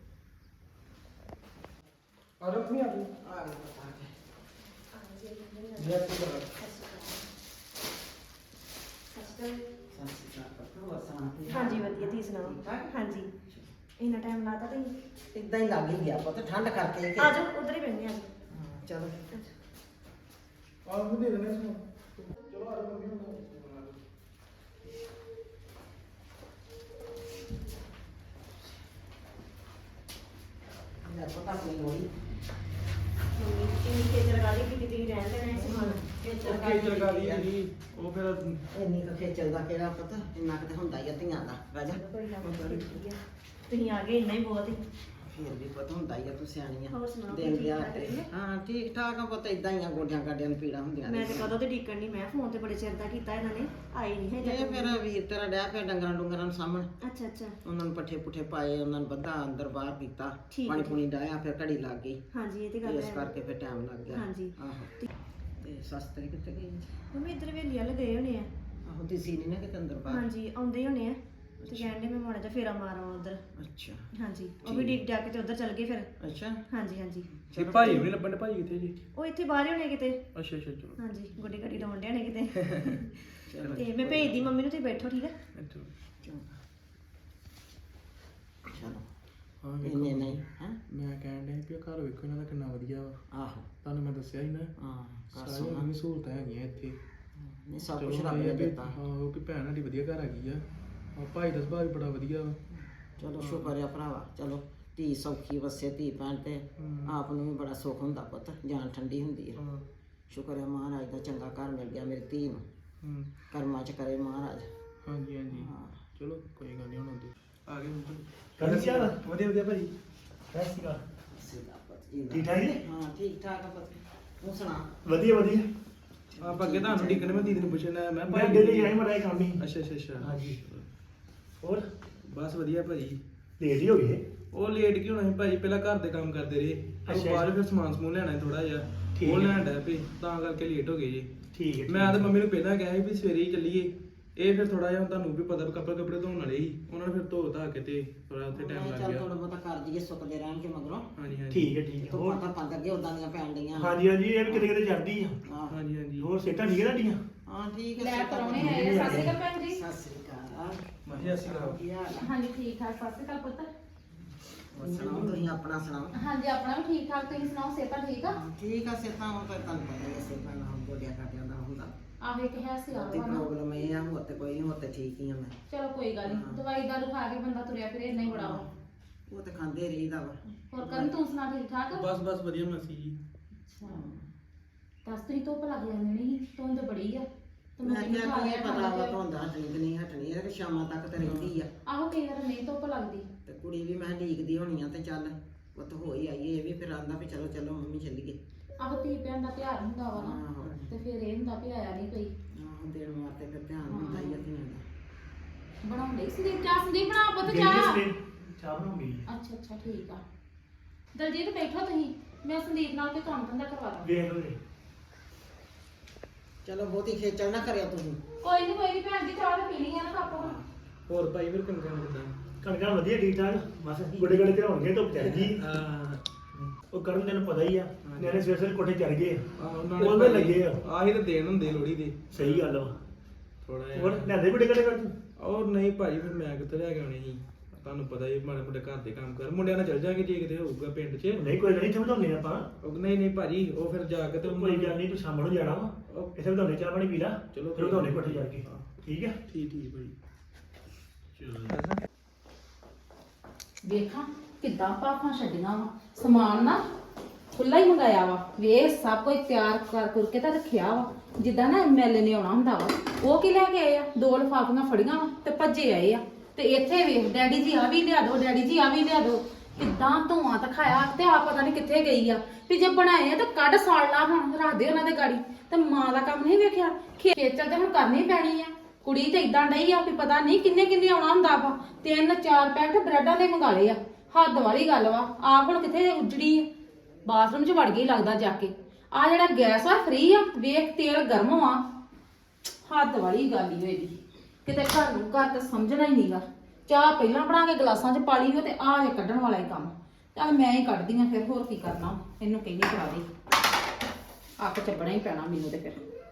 S1: ਆਰਮ ਨਹੀਂ ਆ ਗਈ
S2: ਆ ਗਏ ਪੁੱਤ ਆ ਗਏ
S1: ਜੇ ਕੋਈ ਗੱਲ
S2: ਸਤਿ ਸ਼੍ਰੀ ਅਕਾਲ ਪੁੱਤ ਹੋਰ ਸੁਣਾ ਕੀ ਹਾਲ?
S4: ਹਾਂਜੀ ਵਧੀਆ ਤੁਸੀਂ ਸੁਣਾਓ
S2: ਠੀਕ ਠਾਕ?
S4: ਹਾਂਜੀ ਇੰਨਾ ਟਾਈਮ ਲਾਤਾ ਤੁਸੀਂ
S2: ਇਦਾਂ ਹੀ ਲੱਗ ਹੀ ਗਿਆ ਪੁੱਤ ਠੰਡ ਕਰਕੇ ਕਿ
S4: ਆ ਜਾਓ ਉਧਰ ਹੀ ਬੈਠਨੇ ਆ
S2: ਹਾਂ, ਚਲੋ
S1: ਆਹ ਨੂੰ ਦੇ ਦੇਣੇ ਸੁਣ ਚਲੋ ਆਰਮ ਮੰਮੀ ਹੁਣ
S2: ਯਾਰ ਪਤਾ ਕੋਈ ਹੋਈ
S4: ਮੰਮੀ ਇੰਨੀ ਖੇਚਲ ਗਾਲੀ ਕੀਤੀ ਤੁਸੀਂ ਰਹਿਣ ਦੇਣਾ ਹੈ ਸਮਾਨ
S1: ਓਕੇ ਚਲ ਗਾ ਲਈ ਜੀ ਉਹ ਫਿਰ
S2: ਇੰਨੀ ਕੁ ਖੇਚਲ ਦਾ ਕਿਹੜਾ ਪਤਾ ਇੰਨਾ ਕੁ ਤੇ ਹੁੰਦਾ ਹੀ ਆ ਧੀਆਂ ਦਾ ਰਾਜਾ
S4: ਕੋਈ ਨਾ ਠੀਕ ਹੈ ਤੁਸੀਂ ਆ ਗਏ ਇੰਨਾ ਹੀ ਬਹੁਤ ਹੈ
S2: ਫਿਰ ਵੀ ਪਤਾ ਹੁੰਦਾ ਹੀ ਆ ਤੂੰ ਸਿਆਣੀ ਆ
S4: ਹੋਰ ਸੁਣਾਓ,
S2: ਦਿਨ
S4: ਠੀਕ
S2: ਲਿਆ
S4: ਠਾਕ
S2: ਤੇ
S4: ਰਹਿੰਦੇ?
S2: ਹਾਂ ਠੀਕ ਠਾਕ ਆ ਪੁੱਤ ਇਦਾਂ ਹੀ ਆ ਗੋਡਿਆਂ ਗਾਡਿਆਂ ਨੂੰ ਪੀੜਾ ਹੁੰਦੀਆਂ
S4: ਮੈਂ ਤੇ
S2: ਰਹਿੰਦੀਆਂ।
S4: ਕਦੋਂ ਤੇ ਡੀਕਣ ਨਹੀਂ ਮੈਂ ਫੋਨ ਤੇ ਬੜੇ ਚਿਰ ਦਾ ਕੀਤਾ ਇਹਨਾਂ ਨੇ ਆਈ ਨਹੀਂ ਹੈ
S2: ਇਹ ਫਿਰ ਵੀਰ ਤੇਰਾ ਡਿਆ ਪਿਆ ਡੰਗਰਾਂ ਡੁੰਗਰਾਂ ਨੂੰ ਸਾਹਮਣ
S4: ਅੱਛਾ ਅੱਛਾ
S2: ਉਹਨਾਂ ਨੂੰ ਪੱਠੇ ਪੁੱਠੇ ਪਾਏ ਉਹਨਾਂ ਨੂੰ ਬੱਧਾ ਅੰਦਰ ਬਾਹਰ ਕੀਤਾ
S4: ਠੀਕ
S2: ਪਾਣੀ
S4: ਹੈ।
S2: ਪੂਣੀ ਡਾਇਆ ਫਿਰ ਘੜੀ ਲੱਗ ਗਈ
S4: ਹਾਂਜੀ ਇਹ ਤੇ
S2: ਤੇ
S4: ਗੱਲ
S2: ਇਸ
S4: ਹੈ
S2: ਕਰਕੇ ਫਿਰ ਟਾਈਮ ਲੱਗ ਗਿਆ
S4: ਹਾਂਜੀ।
S2: ਆਹੋ ਤੇ ਸੱਸ ਤੇਰੀ ਕਿੱਥੇ ਗਈ
S4: ਮੰਮੀ ਇੱਧਰ ਵੇਲੀ ਵਾਲੇ ਗਏ ਹੋਣੇ ਆ
S2: ਆਹੋ ਦਿਸੀ ਨਹੀਂ ਨਾ ਕਿਤੇ ਅੰਦਰ ਬਾਹਰ
S4: ਹਾਂਜੀ ਆਉਂਦੇ ਹੀ ਹੋਣੇ ਆ ਤੇ ਕਹਿੰਦੇ ਮੈਂ ਮਾੜਾ ਜਿਹਾ ਫੇਰਾ ਮਾਰਾਂ ਉਧਰ
S2: ਅੱਛਾ
S4: ਹਾਂਜੀ ਉਹ ਵੀ ਡੀਕ ਡਿਆ ਕੇ ਤੇ ਉਧਰ ਚੱਲ ਗਏ ਫਿਰ
S2: ਅੱਛਾ
S4: ਹਾਂਜੀ ਹਾਂਜੀ
S1: ਇਹ ਭਾਈ ਵੀ ਲੱਭਣ ਦੇ ਭਾਈ ਕਿੱਥੇ ਜੀ
S4: ਉਹ ਇੱਥੇ ਬਾਹਰ ਹੀ ਹੋਣੇ ਕਿਤੇ
S1: ਅੱਛਾ ਅੱਛਾ ਚਲੋ
S4: ਹਾਂਜੀ ਗੱਡੀ ਗੱਡੀ ਲਾਉਣ ਡਿਆ ਨੇ ਕਿਤੇ
S2: ਚਲੋ
S4: ਤੇ ਮੈਂ ਭੇਜਦੀ ਮੰਮੀ ਨੂੰ ਤੁਸੀਂ ਬੈਠੋ ਠੀਕ ਹੈ
S1: ਅੱਛਾ
S2: ਚੰਗਾ। ਚਲੋ
S1: ਹਾਂ
S2: ਇੰਨੇ
S1: ਵੇਖੋ
S2: ਨਹੀਂ ਹੈ
S1: ਮੈਂ ਕਹਿਣ ਡਿਆ ਵੀ ਇਹ ਘਰ ਵੇਖੋ ਇਹਨਾਂ ਦਾ ਕਿੰਨਾ ਵਧੀਆ ਵਾ
S2: ਆਹੋ
S1: ਤੁਹਾਨੂੰ ਮੈਂ ਦੱਸਿਆ ਹੀ ਨਾ
S2: ਹਾਂ ਕਰ
S1: ਸਾਰੀਆਂ
S2: ਸੋਣਾ
S1: ਨਵੀਂ ਸਹੂਲਤਾਂ ਹੈਗੀਆਂ ਇੱਥੇ
S2: ਨਹੀਂ ਸਭ
S1: ਚਲੋ
S2: ਕੁਝ ਰੱਬ
S1: ਇਹ
S2: ਨੇ
S1: ਆ ਵੀ-
S2: ਦਿੱਤਾ
S1: ਹਾਂ ਉਹ ਕਿ ਭੈਣ ਸਾਡੀ ਵਧੀਆ ਘਰ ਹੈਗੀ ਆ ਆ ਭਾਈ ਦਾ ਸੁਭਾਅ ਵੀ ਬੜਾ ਵਧੀਆ ਵਾ
S2: ਚਲੋ ਸ਼ੁਕਰ ਆ ਭਰਾਵਾ ਚਲੋ ਧੀ ਸੌਖੀ ਵਸੇ ਧੀ ਭੈਣ ਤੇ
S1: ਹਮ।
S2: ਆਪ ਨੂੰ ਵੀ ਬੜਾ ਸੁੱਖ ਹੁੰਦਾ ਪੁੱਤ ਜਾਨ ਠੰਡੀ ਹੁੰਦੀ ਹੈ
S1: ਹਾਂ
S2: ਸ਼ੁਕਰ ਹੈ ਮਹਾਰਾਜ ਦਾ ਚੰਗਾ ਘਰ ਮਿਲ ਗਿਆ ਮੇਰੀ ਧੀ ਨੂੰ
S1: ਹੂੰ
S2: ਕਰਮਾਂ ਚ ਕਰੇ ਮਹਾਰਾਜ
S1: ਹਾਂਜੀ ਹਾਂਜੀ
S2: ਹਾਂ
S1: ਚਲੋ ਕੋਈ ਗੱਲ ਨਹੀਂ ਹੁਣ ਆਉਂਦੇ ਆ ਗਏ ਹੁਣ
S3: ਕਰ ਸਿਆ
S1: ਵਧੀਆ ਵਧੀਆ ਭਾਈ
S3: ਸਤਿ ਸ਼੍ਰੀ ਅਕਾਲ
S2: ਸਿੱਧਾ ਪੁੱਤ ਜੀ
S3: ਠੀਕ ਠਾਕ ਜੀ?
S2: ਹਾਂ ਠੀਕ ਠਾਕ ਆ ਪੁੱਤ ਤੂੰ ਸੁਣਾ
S3: ਵਧੀਆ ਵਧੀਆ
S1: ਆਪਾਂ ਅੱਗੇ ਤੁਹਾਨੂੰ ਡਿੱਕਣ ਮੈਂ ਦੀਦੀ ਨੂੰ ਪੁੱਛਣਾ ਮੈਂ
S3: ਮੈਂ ਅੱਗੇ ਤੇ ਆਈ ਮੜਾ ਕੰਮ ਹੀ
S1: ਅੱਛਾ ਅੱਛਾ ਅੱਛਾ
S3: ਹਾਂਜੀ ਹੋਰ
S1: ਬਸ ਵਧੀਆ ਭਾਜੀ
S3: ਲੇਟ ਹੀ ਹੋ ਗਏ
S1: ਉਹ ਲੇਟ ਕਿਉਂ ਹੋਣਾ ਸੀ ਭਾਜੀ ਪਹਿਲਾਂ ਘਰ ਦੇ ਕੰਮ ਕਰਦੇ ਰਹੇ ਉਹ
S3: ਅੱਛਾ।
S1: ਬਾਅਦ ਫਿਰ ਸਮਾਨ ਸਮੂਨ ਲੈਣਾ ਥੋੜਾ ਜਿਹਾ
S3: ਠੀਕ
S1: ਉਹ
S3: ਹੈ।
S1: ਲੈਣ ਡਿਆ ਪਈ ਤਾਂ ਕਰਕੇ ਲੇਟ ਹੋ ਗਏ ਜੀ
S3: ਠੀਕ ਹੈ
S1: ਮੈਂ ਤੇ ਮੰਮੀ ਨੂੰ ਪਹਿਲਾਂ ਕਿਹਾ ਸੀ ਵੀ ਸਵੇਰੇ ਹੀ ਚੱਲੀਏ ਇਹ ਫਿਰ ਥੋੜਾ ਜਿਹਾ ਤੁਹਾਨੂੰ ਵੀ ਪਤਾ ਵੀ ਕੱਪੜੇ ਕੱਪੜੇ ਧੋਣ ਵਾਲੇ ਸੀ ਉਹਨਾਂ ਨੇ ਫਿਰ ਧੋ ਧਾ ਕੇ ਤੇ ਥੋੜਾ ਉੱਥੇ ਟਾਈਮ
S2: ਮੈਂ
S1: ਲੱਗ
S2: ਚੱਲ
S1: ਗਿਆ
S2: ਥੋੜਾ ਬਹੁਤਾ ਕਰ ਦਈਏ ਸੁੱਕਦੇ ਰਹਿਣਗੇ ਮਗਰੋਂ
S1: ਹਾਂਜੀ ਹਾਂਜੀ
S3: ਠੀਕ ਹੈ ਠੀਕ ਹੈ
S2: ਤੂੰ
S3: ਹੋਰ
S2: ਪਤਾ ਪੰਦ ਅੱਗੇ ਉਦਾਂ ਦੀਆਂ ਪੈਣ ਡੀਆਂ
S3: ਹਾਂਜੀ ਹਾਂਜੀ ਇਹ ਵੀ ਕਿਤੇ ਕਿਤੇ ਚੜਦੀ ਆ
S2: ਹਾਂ
S1: ਹਾਂਜੀ ਹਾਂਜੀ
S3: ਹੋਰ ਸੇਟਾਂ ਠੀਕ ਹੈ ਤੁਹਾਡੀਆਂ
S2: ਹਾਂ ਠੀਕ ਹੈ
S5: ਲੈ
S2: ਸਿਹਤਾਂ
S5: ਪਰੌਣੇ
S2: ਵਧੀਆ।
S5: ਆਏ ਆ। ਸਤਿ ਸ਼੍ਰੀ ਅਕਾਲ ਭੈਣ ਜੀ।
S2: ਸਤਿ ਸ੍ਰੀ ਅਕਾਲ
S1: ਮਾਹੀ ਅਸੀਂ ਕਰਾਓ
S2: ਕੀ ਹਾਲ ਆ?
S5: ਹਾਂਜੀ ਠੀਕ ਠਾਕ ਸਤਿ ਸ਼੍ਰੀ ਅਕਾਲ ਪੁੱਤ
S2: ਹੋਰ ਸੁਣਾਓ ਤੁਸੀਂ ਆਪਣਾ ਸੁਣਾਓ
S5: ਹਾਂਜੀ ਆਪਣਾ ਵੀ ਠੀਕ ਠਾਕ ਤੁਸੀਂ ਸੁਣਾਓ ਸਿਹਤਾਂ ਠੀਕ ਆ
S2: ਹਾਂ, ਠੀਕ ਆ ਸਿਹਤਾਂ ਹੁਣ ਤਾਂ ਤੁਹਾਨੂੰ ਪਤਾ ਹੀ ਆ ਸਿਹਤਾਂ ਨਾਲ ਗੋਡਿਆਂ ਕਾਟਿਆਂ ਦਾ ਹੁੰਦਾ
S5: ਆਹੋ ਇੱਕ ਹੈ ਸੀ
S2: ਉਹਦੀ ਪ੍ਰੋਬਲਮ ਇਹ ਆ ਹੋਰ ਤੇ ਕੋਈ ਨਹੀਂ ਹੋਰ ਤੇ ਠੀਕ ਹੀ ਆ ਮੈਂ
S5: ਚਲੋ ਕੋਈ ਗੱਲ
S2: ਹਾਂ।
S5: ਨਹੀਂ ਦਵਾਈ ਦਾਰੂ ਖਾ ਕੇ ਬੰਦਾ ਤੁਰਿਆ ਫਿਰੇ ਇੰਨਾ ਹੀ ਬੜਾ ਵਾ
S2: ਉਹ ਤੇ ਖਾਂਦੇ ਰਹੀਦਾ ਵਾ
S5: ਹੋਰ ਕਰਨ ਤੂੰ ਸੁਣਾ ਠੀਕ ਠਾਕ
S1: ਬਸ ਬਸ ਵਧੀਆ ਮਾਸੀ ਜੀ
S5: ਅੱਛਾ ਦੱਸ ਤਰੀ ਧੁੱਪ ਲੱਗ ਜਾਂਦੀ ਨਹੀਂ ਧੁੰਦ ਬੜੀ ਆ ਤੇ
S2: ਮੈਂ
S5: ਮੰਮੀ ਨੂੰ
S2: ਕਿਹਾ
S5: ਖਾ
S2: ਕੀ
S5: ਲਿਆ
S2: ਪਤਾ
S5: ਠੰਡ
S2: ਵਾ
S5: ਚ।
S2: ਧੁੰਦਾ ਹਟਣੀ ਕਿ ਨਹੀਂ ਹਟਣੀ ਇਹ ਕਿ ਸ਼ਾਮਾਂ ਤੱਕ ਤੇ ਰਹਿੰਦੀ ਆ
S5: ਆਹੋ ਕਈ ਵਾਰ ਨਹੀਂ ਧੁੱਪ ਲੱਗਦੀ
S2: ਤੇ ਕੁੜੀ ਵੀ ਮੈਂ ਢੀਕਦੀ ਹੋਣੀ ਆ ਤੇ ਚੱਲ ਪੁੱਤ ਹੋ ਹੀ ਆਈਏ ਇਹ ਵੀ ਫਿਰ ਆਂਦਾ ਵੀ ਚਲੋ ਚਲੋ ਮੰਮੀ ਚੱਲੀਏ
S5: ਆਹੋ ਧੀ ਭੈਣ ਦਾ ਪਿਆਰ ਹੁੰਦਾ ਵਾ ਨਾ
S2: ਆਹੋ
S5: ਤੇ ਫਿਰ ਇਹ ਹੁੰਦਾ ਵੀ ਆਇਆ ਨਹੀਂ ਕੋਈ
S2: ਆਹੋ ਦੇਣ ਵਾਸਤੇ ਫਿਰ ਧਿਆਨ ਹੁੰਦਾ ਹੀ ਆ ਧੀਆਂ ਦਾ
S5: ਬਣਾਉਂਦੇ ਸੰਦੀਪ ਚਾਹ ਸੰਦੀਪ ਬਣਾ ਪੁੱਤ
S3: ਗਈ
S5: ਚਾਹ
S3: ਸਵੇਰ ਚਾਹ ਬਣਾਉਂਗੀ
S5: ਅੱਛਾ ਅੱਛਾ ਠੀਕ ਆ ਦਲਜੀਤ ਬੈਠੋ ਤੁਸੀਂ ਮੈਂ ਸੰਦੀਪ ਨਾਲ ਕੋਈ ਕੰਮ ਧੰਦਾ ਕਰਵਾ ਦਾਂ
S3: ਵੇਖ ਲਓ ਜੀ
S2: ਚਲੋ ਬਹੁਤੀ ਖੇਚਲ ਨਾ ਕਰਿਓ ਤੁਸੀਂ
S5: ਕੋਈ ਨਹੀਂ ਕੋਈ ਨਹੀਂ ਭੈਣ ਜੀ ਚਾਹ ਤਾਂ ਪੀਣੀ ਆ ਨਾ ਕੱਪ
S1: ਹੋਰ ਭਾਈ ਫਿਰ ਕੰਕਾਂ ਕਿਦਾਂ
S3: ਕਣਕਾਂ ਵਧੀਆ ਠੀਕ ਠਾਕ ਬਸ ਗੋਡੇ ਗੋਡੇ ਤੇ ਹੋਣਗੇ ਧੁੱਪ ਚੜ ਗਈ
S1: ਹਾਂ
S3: ਉਹ ਕਰਨ ਤੈਨੂੰ ਪਤਾ ਹੀ ਆ ਨਿਆਣੇ ਸਵੇਰ ਸਵੇਰ ਕੋਠੇ ਚੜ ਗਏ
S1: ਆਹੋ
S3: ਉਹਦੇ ਲੱਗੇ ਆ
S1: ਆਹੀ ਤਾਂ ਦੇਣ ਹੁੰਦੇ ਲੋੜੀ ਦੇ
S3: ਸਹੀ ਗੱਲ ਵਾ
S1: ਥੋੜਾ
S3: ਹੋਰ
S1: ਜਿਹਾ
S3: ਲੈਂਦੇ ਗੋਡੇ ਗੋਡੇ ਕਰ ਤੂੰ
S1: ਔਰ ਨਹੀਂ ਭਾਜੀ ਫਿਰ ਮੈਂ ਕਿੱਥੇ ਲੈ ਕੇ ਆਉਣੇ ਸੀ ਤੁਹਾਨੂੰ ਪਤਾ ਹੀ ਮਾੜੇ ਮੋਟੇ ਘਰ ਦੇ ਕੰਮ ਕਰ ਮੁੰਡਿਆਂ ਨਾਲ ਚੱਲ ਜਾਾਂਗੇ ਜੇ ਕਿਤੇ ਹੋਊਗਾ ਪਿੰਡ 'ਚ
S3: ਨਹੀਂ ਕੋਈ ਗੱਲ ਨਹੀਂ, ਇੱਥੇ ਵਧਾਉਂਦੇ ਆਪਾਂ।
S1: ਉਹ ਨਹੀਂ ਨਹੀਂ ਭਾਜੀ ਉਹ ਫਿਰ ਜਾ ਕੇ ਤੇ
S3: ਕੋਈ ਗੱਲ ਨਹੀਂ, ਤੂੰ ਸ਼ਾਮ ਨੂੰ ਜਾਣਾ ਵਾ,
S1: ਉਹ-
S3: ਇੱਥੇ ਵਧਾਉਂਦੇ ਚਾਹ ਪਾਣੀ ਪੀ ਲਾ,
S1: ਚਲੋ
S3: ਫਿਰ ਵਧਾਉਂਦੇ ਕੋਠੇ ਜਾ ਕੇ।
S1: ਹਾਂ।
S3: ਠੀਕ ਹੈ
S1: ਠੀਕ ਠੀਕ ਭਾਜੀ
S5: ਵੇਖਾਂ ਕਿੱਦਾਂ ਭਾਫਾਂ ਛੱਡੀਆਂ ਵਾ ਸਮਾਨ ਨਾ ਖੁੱਲਾ ਹੀ ਮੰਗਾਇਆ ਵਾ ਵੇਖ ਸਭ ਕੁਝ ਤਿਆਰ ਕਰ ਕਰਕੇ ਤਾਂ ਰੱਖਿਆ ਵਾ ਜਿੱਦਾਂ ਨਾ ਐਮਐਲਏ ਨੇ ਆਉਣਾ ਹੁੰਦਾ ਵਾ ਉਹ ਕੀ ਲੈ ਕੇ ਆਏ ਆ ਦੋ ਲਿਫਾਫੀਆਂ ਫੜੀਆਂ ਵਾ ਤੇ ਭੱਜੇ ਆਏ ਆ ਤੇ ਇੱਥੇ ਵੇਖ ਡੈਡੀ ਜੀ ਆ ਵੀ ਲਿਆ ਦੋ ਡੈਡੀ ਜੀ ਆ ਵੀ ਲਿਆ ਦੋ ਕਿੱਦਾਂ ਧੂਆਂ ਦਿਖਾਇਆ ਤੇ ਆ ਪਤਾ ਨਹੀਂ ਕਿੱਥੇ ਗਈ ਆ ਵੀ ਜੇ ਬਣਾਏ ਆ ਤਾਂ ਕੱਢ ਸਾੜ ਲਾ ਹੁਣ ਰੱਖ ਦੇ ਉਹਨਾਂ ਦੇ ਗਾੜੀ ਤੇ ਮਾਂ ਦਾ ਕੰਮ ਨਹੀਂ ਵੇਖਿਆ ਖੇਚਲ ਤੇ ਹੁਣ ਕਰਨੀ ਪੈਣੀ ਆ ਕੁੜੀ ਤੇ ਇਦਾਂ ਡਈ ਆ ਵੀ ਪਤਾ ਨਹੀਂ ਕਿੰਨੇ ਕਿੰਨੇ ਆਉਣਾ ਹੁੰਦਾ ਵਾ ਤਿੰਨ ਚਾਰ ਪੈਕਟ ਬ੍ਰੈਡਾਂ ਦੇ ਮੰਗਾ ਲਏ ਆ ਹੱਦ ਵਾਲੀ ਗੱਲ ਵਾ ਆਪ ਹੁਣ ਕਿੱਥੇ ਉੱਜੜੀ ਆ ਬਾਥਰੂਮ 'ਚ ਵੜ ਗਈ ਲੱਗਦਾ ਜਾ ਕੇ ਆ ਜਿਹੜਾ ਗੈਸ ਆ ਫ੍ਰੀ ਆ ਵੇਖ ਤੇਲ ਗਰਮ ਆ ਹੱਦ ਵਾਲੀ ਗੱਲ ਹੀ ਹੋਈ ਕਿਤੇ ਘਰ ਨੂੰ ਘਰ ਤੇ ਸਮਝਣਾ ਹੀ ਨਹੀਂਗਾ ਚਾਹ ਪਹਿਲਾਂ ਬਣਾ ਕੇ ਗਲਾਸਾਂ 'ਚ ਪਾ ਲਈ ਹੋ ਤੇ ਆ ਜੇ ਕੱਢਣ ਵਾਲਾ ਹੀ ਕੰਮ ਚੱਲ ਮੈਂ ਹੀ ਕੱਢਦੀ ਆ ਫਿਰ ਹੋਰ ਕੀ ਕਰਨਾ ਇਹਨੂੰ ਕਹਿੰਦੀ ਕਰਾ ਦੇ ਅੱਖ ਚੱਬਣਾ ਹੀ ਪੈਣਾ ਮੈਨੂੰ ਤੇ ਫਿਰ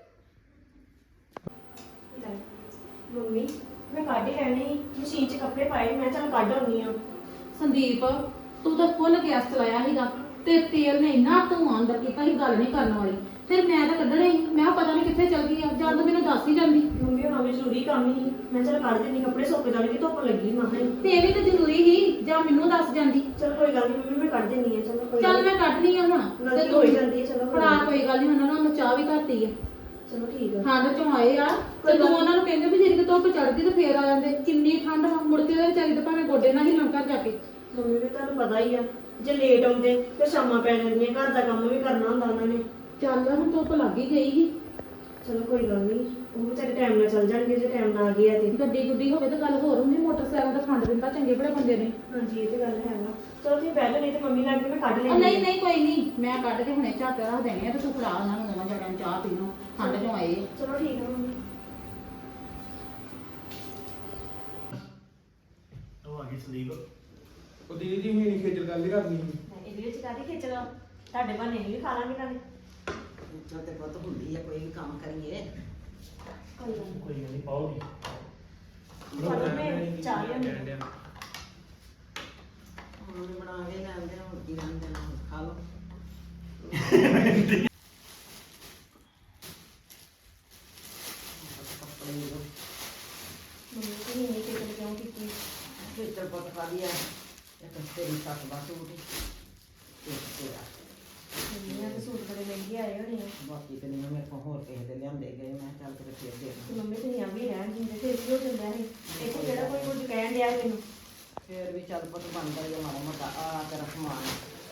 S4: ਮੰਮੀ ਮੈਂ ਕੱਢ ਲੈਣੀ ਮਸ਼ੀਨ 'ਚ ਕੱਪੜੇ ਪਾਏ ਮੈਂ ਚੱਲ ਕੱਢ ਆਉਣੀ ਆ
S5: ਸੰਦੀਪ ਤੂੰ ਤਾਂ ਫੁੱਲ ਗੈਸ ਚਲਾਇਆ ਸੀਗਾ ਤੇ ਤੇਲ ਨੇ ਇੰਨਾ ਧੂਆਂ ਅੰਦਰ ਕੀਤਾ ਸੀ ਗੱਲ ਨਹੀਂ ਕਰਨ ਵਾਲੀ ਫਿਰ ਮੈਂ ਤਾਂ ਕੱਢਣਾ ਹੀ ਮੈਂ ਕਿਹਾ ਪਤਾ ਨਹੀਂ ਕਿੱਥੇ ਚਲ ਗਈ ਆ ਜਾਂ ਤਾਂ ਮੈਨੂੰ ਦੱਸ ਹੀ ਜਾਂਦੀ
S4: ਮੰਮੀ ਉਹਨਾਂ ਵਿੱਚ ਜ਼ਰੂਰੀ ਕੰਮ ਹੀ ਮੈਂ ਚੱਲ ਕੱਢ ਦਿੰਦੀ ਕੱਪੜੇ ਸੁੱਕ ਜਾਣਗੇ ਧੁੱਪ ਲੱਗੀ ਮਾਂ
S5: ਤੇ ਇਹ ਵੀ ਤਾਂ ਜ਼ਰੂਰੀ ਸੀ ਜਾਂ ਮੈਨੂੰ ਦੱਸ ਜਾਂਦੀ
S4: ਚਲ ਕੋਈ ਗੱਲ ਨਹੀਂ ਮੰਮੀ ਮੈਂ ਕੱਢ ਦਿੰਦੀ ਆ ਚਲੋ ਕੋਈ
S5: ਚੱਲ ਮੈਂ ਕੱਢਣੀ ਆ ਹੁਣ
S4: ਗਲਤੀ ਹੋ ਹੀ ਜਾਂਦੀ ਹੈ ਚਲੋ
S5: ਫੜਾ ਕੋਈ ਗੱਲ ਨਹੀਂ ਉਹਨਾਂ ਨੂੰ ਚਾਹ ਵੀ ਘੱਟੀ ਆ
S4: ਚਲੋ ਠੀਕ ਆ
S5: ਠੰਡ ਚੋਂ ਆਏ ਆ ਤੇ ਤੂੰ ਉਹਨਾਂ ਨੂੰ ਕਹਿੰਦੇ ਵੀ ਜਿਹੜੀ ਕਿ ਧੁੱਪ ਚੜਦੀ ਤੇ ਫੇਰ ਆ ਜਾਂਦੇ ਕਿੰਨੀ ਠੰਡ ਵਾ ਮੁੜ ਕੇ ਉਹਦੇ ਵਿਚਾਰੀ ਦੇ ਭਾਵੇਂ ਗੋਡੇ ਨਾਲ ਹਿੱਲਣ ਘਰ ਜਾ ਕੇ
S4: ਮੰਮੀ ਵੀ ਤੁਹਾਨੂੰ ਪਤਾ ਹੀ ਆ ਜੇ ਲੇਟ ਆਉਂਦੇ ਤੇ ਸ਼ਾਮਾਂ ਪੈ ਜਾਂਦੀਆਂ ਘਰ ਦਾ ਕੰਮ ਵੀ ਕਰਨਾ ਹੁੰਦਾ ਉਹਨਾਂ ਨੇ
S5: ਚੱਲ ਹੁਣ ਧੁੱਪ ਲੱਗ ਹੀ ਗਈ ਸੀ
S4: ਚਲੋ ਕੋਈ ਗੱਲ ਨਹੀਂ ਉਹ ਵਿਚਾਰੇ ਟਾਈਮ ਨਾਲ ਚੱਲ ਜਾਣਗੇ ਜੇ ਟਾਈਮ ਨਾਲ ਆ ਗਏ ਆ ਤੇ
S5: ਗੱਡੀ ਗੁੱਡੀ ਹੋਵੇ ਤਾਂ ਗੱਲ ਹੋਰ ਹੁੰਦੀ ਮੋਟਰਸਾਈਕਲ ਦਾ ਖੰਡ ਦਿੰਦਾ ਚੰਗੇ ਬੜੇ ਬੰਦੇ ਨੇ
S4: ਹਾਂਜੀ ਇਹ ਤੇ ਗੱਲ ਹੈਗਾ ਚਲੋ ਤੁਸੀਂ ਬਹਿ ਜਾਓ ਨਹੀਂ ਤੇ ਮੰਮੀ ਲੱਗ ਕੇ ਮੈਂ ਕੱਢ
S5: ਉਹ
S4: ਲੈਂਦੀ
S5: ਨਹੀਂ ਨਹੀਂ ਕੋਈ ਨਹੀਂ ਮੈਂ ਕੱਢ ਕੇ ਹੁਣੇ ਝੱਟ ਰੱਖ ਦੇਣੀ ਆ ਤੇ ਤੂੰ ਫੜਾ ਉਹਨਾਂ ਨੂੰ ਦੋਵਾਂ ਜਣਿਆਂ ਨੂੰ ਚਾਹ ਪੀ ਲਓ ਠੰਡ ਚੋਂ ਆਏ ਆ।
S4: ਚਲੋ ਠੀਕ ਆ ਮੰਮੀ
S3: ਉਹ ਆ ਗਈ ਸੰਦੀਪ।
S1: ਉਹ ਦੀਦੀ ਜੀ ਹੀ ਖੇਚਲ ਗੱਲ ਹੀ ਕਰਨੀ ਸੀ
S4: ਇਹਦੇ ਵਿੱਚ ਕਾਹਦੀ ਖੇਚਲ ਤੁਹਾਡੇ ਬਹਾਨੇ ਵੀ ਖਾ ਲਾਂਗੇ ਨਾਲੇ
S2: ਇੱਥੇ ਤੇ ਪੁੱਤ ਹੁੰਦੀ ਆ ਕੋਈ ਵੀ ਕੰਮ ਕਰੀਏ
S4: ਕੋਈ ਗੱਲ ਨੀ।
S3: ਕੋਈ ਗੱਲ ਨਹੀਂ, ਪਾਓਗੀ।
S4: ਚਲੋ ਮੈਂ ਚਾਹ ਲਿਆਉਂਦੀ ਹਾਂ।
S1: ਕਹਿਣ ਡਿਆ।
S2: ਹੁਣ ਬਣਾ ਕੇ ਲੈਂਦੇ ਹੁਣ ਕੀ ਲੈਂਦੇ ਨਾ ਖਾ ਲਓ ਕੱਪੜੇ ਲਓ
S4: ਮੰਮੀ ਤੁਸੀਂ ਇੰਨੀ ਖੇਚਲ ਕਿਉਂ ਕੀਤੀ
S2: ਖੇਚਲ ਪੁੱਤ ਕਾਹਦੀ ਆ ਇੱਕ ਤੇਰੀ ਸੱਸ ਦਾ ਸੂਟ ਇੱਕ ਤੇਰਾ
S4: ਮੰਮੀ ਆ ਤੇ ਸੂਟ ਬੜੇ ਮਹਿੰਗੇ ਆਏ ਹੋਣੇ ਆ
S2: ਬਾਕੀ ਤੇ ਨਹੀਂ ਮੇਰੇ ਕੋਲ ਹੋਰ ਕਿਸੇ ਦੇ ਲਿਆਂਦੇ ਗਏ ਮੈਂ ਚੱਲ ਤੇਰੇ ਫੇਰ ਦੇ
S4: ਤੇ
S2: ਦਾਂ
S4: ਮੰਮੀ ਤੁਸੀਂ ਆ ਵੀ ਰਹਿਣ ਦਿੰਦੇ ਤੇ ਇਸ ਹੋ ਜਾਂਦਾ ਹੈ ਇੱਥੇ ਕਿਹੜਾ ਕੋਈ ਕੁਝ ਕਹਿਣ ਡਿਆ ਮੈਨੂੰ
S2: ਫੇਰ ਵੀ ਚੱਲ ਪੁੱਤ ਬਣਦਾ ਜੇ ਮਾੜਾ ਮੋਟਾ ਆ ਤੇਰਾ ਸਮਾਨ